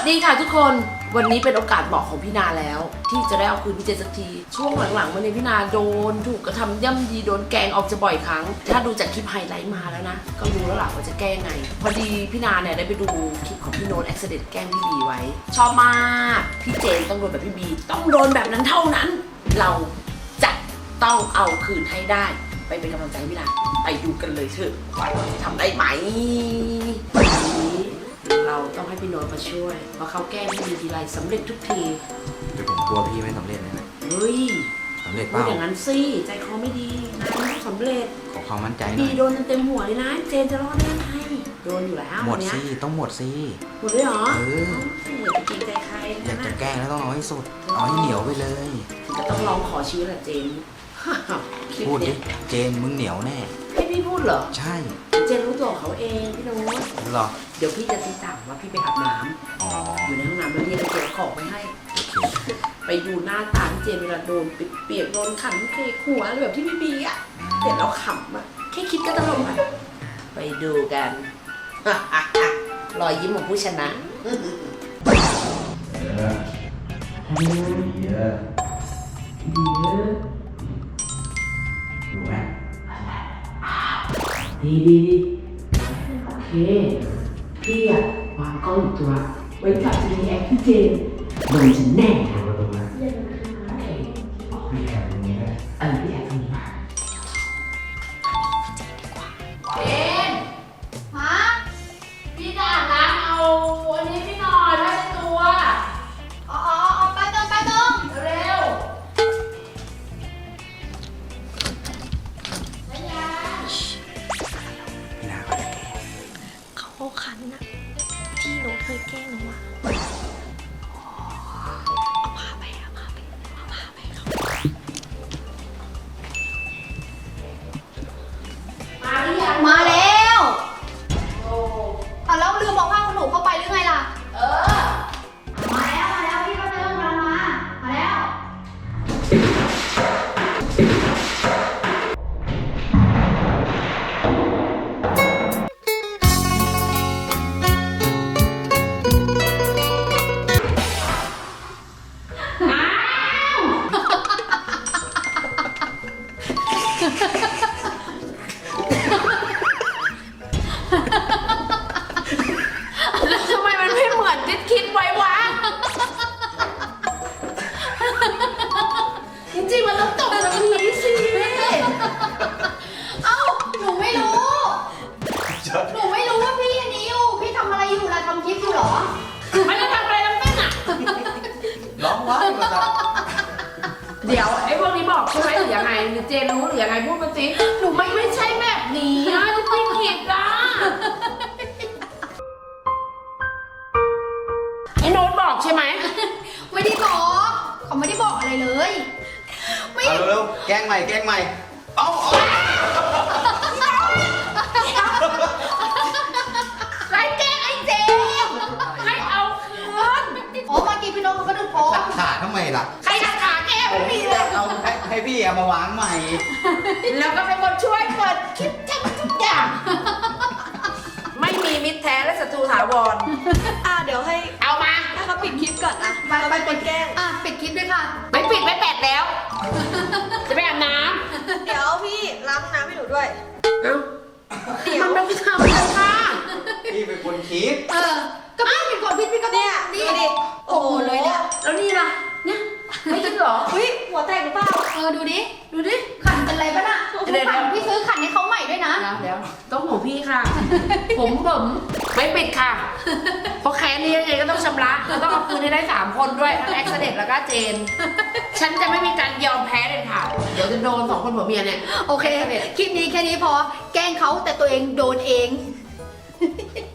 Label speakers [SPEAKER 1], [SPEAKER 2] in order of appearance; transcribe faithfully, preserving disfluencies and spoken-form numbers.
[SPEAKER 1] ดีค่ะทุกคนวันนี้เป็นโอกาสเหมาะของพี่นาแล้วที่จะได้เอาคืนพี่เจสักทีช่วงหลังๆมาเนี่ยพี่นาโดนถูกกระทำย่ำยีโดนแกล้งออกจะบ่อยครั้งถ้าดูจากคลิปไฮไลท์มาแล้วนะก็รู้แล้วล่ะว่าจะแก้ไงพอดีพี่นาเนี่ยได้ไปดูคลิปของพี่โน้ตแอคซิเดนต์แกล้งพี่บีไว้ชอบมากพี่เจนต้องโดนแบบพี่บีต้องโดนแบบนั้นเท่านั้นเราจะต้องเอาคืนให้ได้ไปเป็นกำลังใจให้พี่นาไปดูกันเลยเถอะว่าเราจะทำได้ไหมเราต้องให้พี่โน้ตมาช่วยเพราะเขาแก้ไม่มีทีไรสำเร็จทุกที
[SPEAKER 2] แต่ผมกลัวพี่ไม่สำเร็จเลยนะ
[SPEAKER 1] เฮ้ย
[SPEAKER 2] สำเร็จเป
[SPEAKER 1] พูด
[SPEAKER 2] ล่า
[SPEAKER 1] อย่างนั้นสิใจคอไม่ดีนะไม่สำเร็จ
[SPEAKER 2] ขอความมั่นใจหน่
[SPEAKER 1] บี
[SPEAKER 2] อย
[SPEAKER 1] โดนเต็มหัวเลยนะเจนจะรอดได้ยังไงโดนอยู่แล้ว
[SPEAKER 2] หมด
[SPEAKER 1] เนี้ย
[SPEAKER 2] สิต้องหมดสิ
[SPEAKER 1] หมดเลยเหรอ
[SPEAKER 2] เออ
[SPEAKER 1] อย่าไปเกรงใจใคร
[SPEAKER 2] อยาก
[SPEAKER 1] นะ
[SPEAKER 2] จะแกล้งแล้วต้องเอาให้สุดเอาให้เหนียวไปเลย
[SPEAKER 1] จะต้องลองขอชีวิตแหละเจนคลิป
[SPEAKER 2] พูดดิ
[SPEAKER 1] เนี้ย
[SPEAKER 2] เจนมึงเหนียวแน่
[SPEAKER 1] ให้พี่พูดเหรอ
[SPEAKER 2] ใช่
[SPEAKER 1] เจนรู้ตัวของเขาเองพี่โน้ต
[SPEAKER 2] หรอ
[SPEAKER 1] เดี๋ยวพี่จะตีต่างว่าพี่ไปอาบน้ำ
[SPEAKER 2] อ๋อ
[SPEAKER 1] อยู่ในห้องน้ำแล้วเรียกไปเก็บของไว้ให้
[SPEAKER 2] โอเค
[SPEAKER 1] ไปดูหน้าตาพี่เจนเวลาโดนเปียกๆโดนขันเคกหัวอะไรแบบที่พี่บีอ่ะเห็นแล้วขำอ่ะแค่คิดก็ตลกอ่ะไปดูกัน รอยยิ้มของผู้ชนะดีดีดีโอเคพี่อะวางกล้องอีกตัวไว้จับรีแอคพี่เจนโดนฉันแน่โอเคพี่แอบตรงนี้ได้เออพี่แอบตรงนี้มาเจนฮะพี่จะอาบน้ำเอาอันนี้พี่หน่อยได้ตัวอ๋ออ๋ออ๋อไปตรงไปตรงเร็วไม่ยา
[SPEAKER 2] พี่นาเขาจะแกล้ง
[SPEAKER 3] เขาเอาคันนะที่หนูเคยแกล้งหนูอะเอาพาไปเอาพาไปเอาพาไปเขา
[SPEAKER 1] มาหรือยัง
[SPEAKER 3] มาแล้ว
[SPEAKER 1] โอ้
[SPEAKER 3] อ่ะแล้วลืมบอกผ้าขนหนูเข้าไปหรือไงล่ะ
[SPEAKER 1] เออ
[SPEAKER 3] มาแล้วมาแล้วพี่ก็เดินกำลังมา มาแล้ว
[SPEAKER 1] แล้วทำไมมันไม่เหมือนที่คิดไว้วะ จริงๆมันต้องตกแบบนี้สิ
[SPEAKER 3] เอ้า หนูไม่รู้ หนูไม่รู้ว่าพี่อันนี้อยู่ พี่ทำอะไรอยู่ล่ะทำคลิปอยู่เหรอ
[SPEAKER 1] ไม่ได้ทำอะไรทั้งสิ้นอ่ะ
[SPEAKER 2] ร้องว้าวมาจ้ะ
[SPEAKER 1] เดี๋ยวไอ้พวกนี้บอกใช่ไหมหรือยังไงหรือเจนรู้หรือยังไงพูดมาสิหนูไม่ไม่ใช่แบบนี้นะที่พี่คิดอ่ะไอ้โน้ตบอกใช่ไหม
[SPEAKER 3] ไม่ได้บอก เขาไม่ได้บอกอะไรเลย ไม่
[SPEAKER 2] เอาเร็วๆแกล้งใหม่แกล้งใหม่เอาเอา
[SPEAKER 1] ใครแกล้งไอ้เจมส์ให้เอาคืน
[SPEAKER 3] อ๋อเมื่อกี้พี่โน้ตเขาก็ดูโป๊
[SPEAKER 2] ตัดขาทำไมล่ะ
[SPEAKER 1] ใครจะขาแกไม่มีเลย
[SPEAKER 2] เอาให้ให้พี่เอามาวางใหม่
[SPEAKER 1] แล้วก็เป็นคนช่วยเปิดคลิปทำทุกอย่าง ไม่มีมิตรแท้และศัตรูถาวร
[SPEAKER 4] อ่ะเดี๋ยวให้
[SPEAKER 1] เอามา
[SPEAKER 4] ให้เขาปิดคลิปก่อนนะ
[SPEAKER 3] ไป
[SPEAKER 4] เรา
[SPEAKER 3] ไป
[SPEAKER 4] เป็นคนแกล้ง
[SPEAKER 3] อ่ะปิดคลิปด้วยค่ะ
[SPEAKER 1] ไม่ปิดไม่แปดแล้ว จะไปอาบน้
[SPEAKER 4] เดี๋ยวพี่ล้างน้ำให้หนูด้วย
[SPEAKER 1] ำเอ้า
[SPEAKER 4] เดี๋ยว
[SPEAKER 1] มันไม่ทำเลยค่ะ
[SPEAKER 2] พี่เป็นคนคิด
[SPEAKER 3] เออ ก็พี่เป็นคนพี่พี่ก็
[SPEAKER 4] เนี่ย
[SPEAKER 3] นี่
[SPEAKER 4] ดูดิ โอ้โหเลยเนี่ย
[SPEAKER 1] แล้วนี่ล่ะ เนี่ย ไม่คิดเหรอ
[SPEAKER 4] อุ้ยหัวแตกหรือเปล่า
[SPEAKER 3] เออดูดิ ดูดิ ขันเป็นไรปะน่ะ
[SPEAKER 1] เดี๋ยว
[SPEAKER 3] ขันพี่ซื้อขันให้เขาใหม่ด้วยนะ
[SPEAKER 1] เดี๋ยวเดี๋ยวต้องของพี่ค่ะ ผมผมไม่ปิดค่ะ เพราะแค้นนี้ยังไงก็ต้องชำระเราต้องเอาคืนให้ได้สามคนด้วยทั้งแอ็กซ์เดตแล้วก็เจน ฉันจะไม่มีการยอมแพ้เลยค่ะ เดี๋ยวจะโดนสองคนผัวเมียเนี่ย
[SPEAKER 3] โอเค คลิปนี้แค่นี้พอ แกล้งเขาแต่ตัวเองโดนเอง